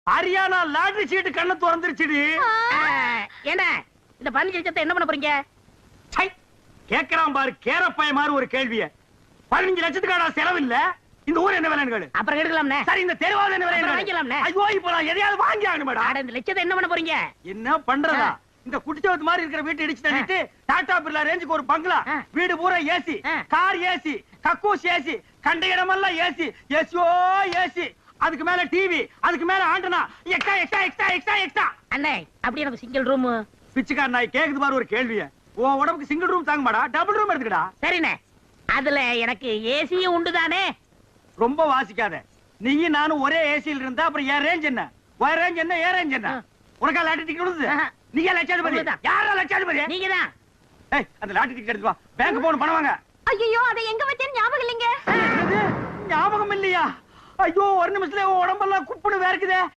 Haryana lottery சீட்டு கண்ணு திறந்துருச்சுடி. என்ன இந்த 15 லட்சத்தை என்ன பண்ண போறீங்க? கேக்குறான் பாரு கேரப்பைய மாதிரி ஒரு கேள்விய. 15 லட்சத்துக்கான செலவு இல்ல. இந்த ஊர் என்ன விலைன்னு கேளு. அப்புறம் எடுக்கலாம்னே. சரி இந்த தெருவாத என்ன விலைன்னு வாங்கிக்கலாம்னே. ஐயோ இப்ப நான் எதையாவது வாங்கி ஆகணும் மேடம். இந்த லட்சத்தை என்ன பண்ண போறீங்க? என்ன பண்றதா? இந்த குடிச்சவத்து மாதிரி இருக்கிற வீட்டை இடிச்சு தள்ளிட்டு டாடா பிர்லா ரேஞ்சுக்கு ஒரு பங்களா, வீடு பூரா ஏசி, கார் ஏசி, கக்கூஸ் ஏசி, கண்ட இடமெல்லாம் ஏசி, ஏசியோ ஏசி, அதுக்கு மேல டிவி, அதுக்கு மேல antenna, extra extra extra extra extra. அண்ணே அப்படி எனக்கு சிங்கிள் ரூம். பிச்சைக்கார நாய் கேக்குது பாரு ஒரு கேள்விய. உன் உடம்புக்கு சிங்கிள் ரூம் தாங்க மாடா, டபுள் ரூம் எடுத்துக்கடா. சரிண்ணே. அதுல எனக்கு ஏசியும் உண்டு தானே? ரொம்ப வாசிக்காத. நீயும் நானும் ஒரே ஏசியில் இருந்தா அப்புறம் ஏன் ரேஞ்ச் என்ன? ஒரே ரேஞ்ச் என்ன ஏன் ரேஞ்ச் என்ன? உனக்கா லாட்டரி டிக்கெட் கொடுத்தது? நீங்க லட்சாதிபதி. யாரா லட்சாதிபதி? நீங்க தான். ஏய் அந்த லாட்டரி டிக்கெட் எடுத்து வா. பேங்க் போன் பணம் வாங்க. ஐயோ அதை எங்க வச்சேன்னு ஞாபகம் இல்லைங்க. ஞாபகம் இல்லையா? ஐயோ ஒரு நிமிஷத்துல உடம்பெல்லாம் குப்புன்னு வேர்க்குதே.